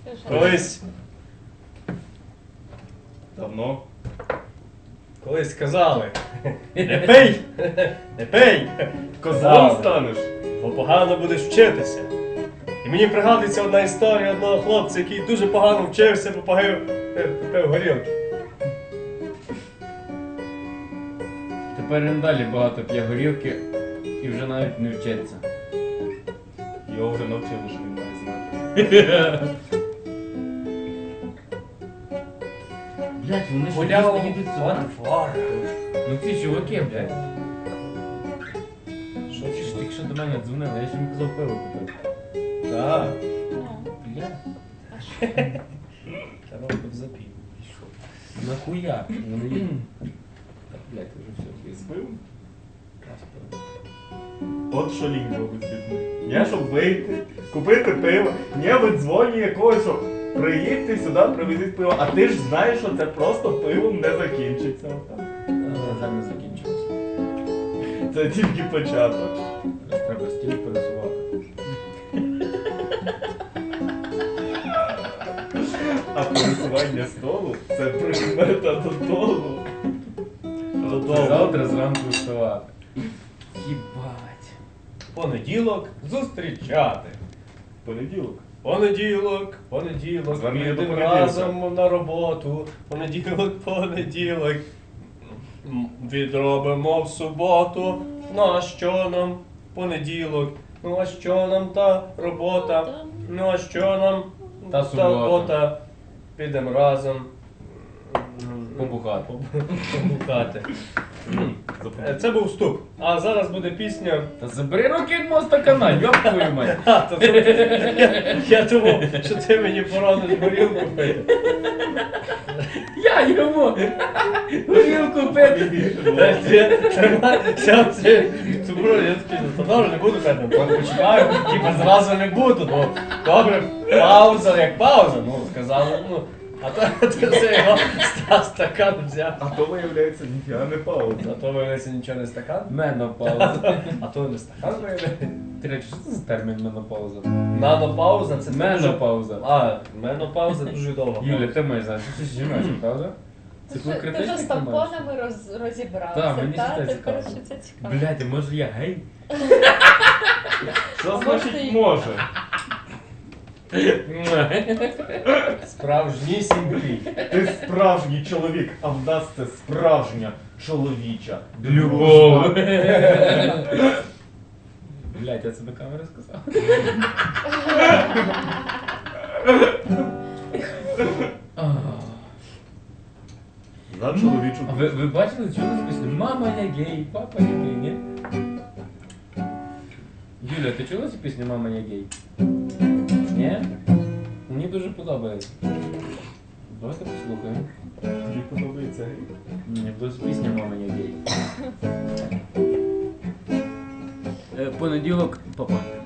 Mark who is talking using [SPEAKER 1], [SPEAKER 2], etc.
[SPEAKER 1] Колись давно. Колись казали, не пий, не пий, козлом станеш, бо погано будеш вчитися. І мені пригадується одна історія одного хлопця, який дуже погано вчився, бо пив горілки.
[SPEAKER 2] Тепер він далі багато п'є горілки і вже навіть не вчиться.
[SPEAKER 1] Його вже навчили, що він має знати.
[SPEAKER 2] Блять, вони ж
[SPEAKER 1] Гуляв
[SPEAKER 2] дійсно їдуть сюди.
[SPEAKER 1] фар.
[SPEAKER 2] Ну ці чуваки, блядь.
[SPEAKER 1] Що
[SPEAKER 2] Ти ж тільки що до мене дзвонили, я ж їм казав пиво купити.
[SPEAKER 1] Так.
[SPEAKER 2] Бля,
[SPEAKER 1] Треба б запів.
[SPEAKER 2] нахуя? Вони їдуть. Так, блядь, вже все,
[SPEAKER 1] Збив? От що лінь робить з людьми. Я щоб вийти, купити пиво, я видзвоню якогось, що приїдьте сюди, привезіть пиво, а ти ж знаєш, що це просто пивом не закінчиться. Отак.
[SPEAKER 2] Зараз не закінчилося.
[SPEAKER 1] Це тільки початок.
[SPEAKER 2] Зараз треба стіль пересувати.
[SPEAKER 1] А пересування столу це прикмета додолу.
[SPEAKER 2] Завтра зранку вставати. Їбать.
[SPEAKER 1] Понеділок зустрічати. Понеділок. Понеділок, Звернення до підемо понеділка. разом на роботу. Понеділок. Відробимо в суботу. Ну а що нам понеділок? Ну а що нам та робота? Ну а що нам
[SPEAKER 2] Та субота.
[SPEAKER 1] робота? Підемо разом.
[SPEAKER 2] Побухати.
[SPEAKER 1] Побухати. Це був вступ. А зараз буде пісня.
[SPEAKER 2] Та забери руки від мого стакана, йоп твою мать.
[SPEAKER 1] Я думав, що ти мені порадиш горілку пити.
[SPEAKER 2] Я йому горілку пити.
[SPEAKER 1] Я такий, то добре, не буду пити, почекаю, типа зразу не буду. Ну, добре, пауза як пауза, ну, сказали, ну. А то це його стакан взяв. А то виявляється, ніфіга не пауза. А то виявляється нічого не стакан.
[SPEAKER 2] Менопауза.
[SPEAKER 1] А то не стакан виявляється.
[SPEAKER 2] Ти речі, що це за термін менопауза?
[SPEAKER 1] Нанопауза це
[SPEAKER 2] Менопауза.
[SPEAKER 1] А, менопауза дуже довго.
[SPEAKER 2] Юля, ти маєш знати, що це жіноча, правда? Це коли
[SPEAKER 3] Ти вже
[SPEAKER 2] критичний
[SPEAKER 3] з тампонами розібрався,
[SPEAKER 2] Так, мені це теж
[SPEAKER 3] тепер
[SPEAKER 2] цікаво.
[SPEAKER 3] що це цікаво.
[SPEAKER 2] Блядь, а може я гей?
[SPEAKER 1] Що
[SPEAKER 3] А
[SPEAKER 1] значить
[SPEAKER 3] може,
[SPEAKER 1] може? Справжнісінький. Ти справжній чоловік, а в нас це справжня чоловіча
[SPEAKER 2] Любов. Блядь, я це до камери сказав.
[SPEAKER 1] За чоловічу.
[SPEAKER 2] А ви бачили, що нас пісня? Мама я гей, папа я гей, ні? Юля, ти чула цю пісню «Мама я гей»? Ні? Мені дуже подобається. Давайте послухаємо.
[SPEAKER 1] Мені подобається.
[SPEAKER 2] Мені подобається пісня «Мама я гей». Понеділок, папа.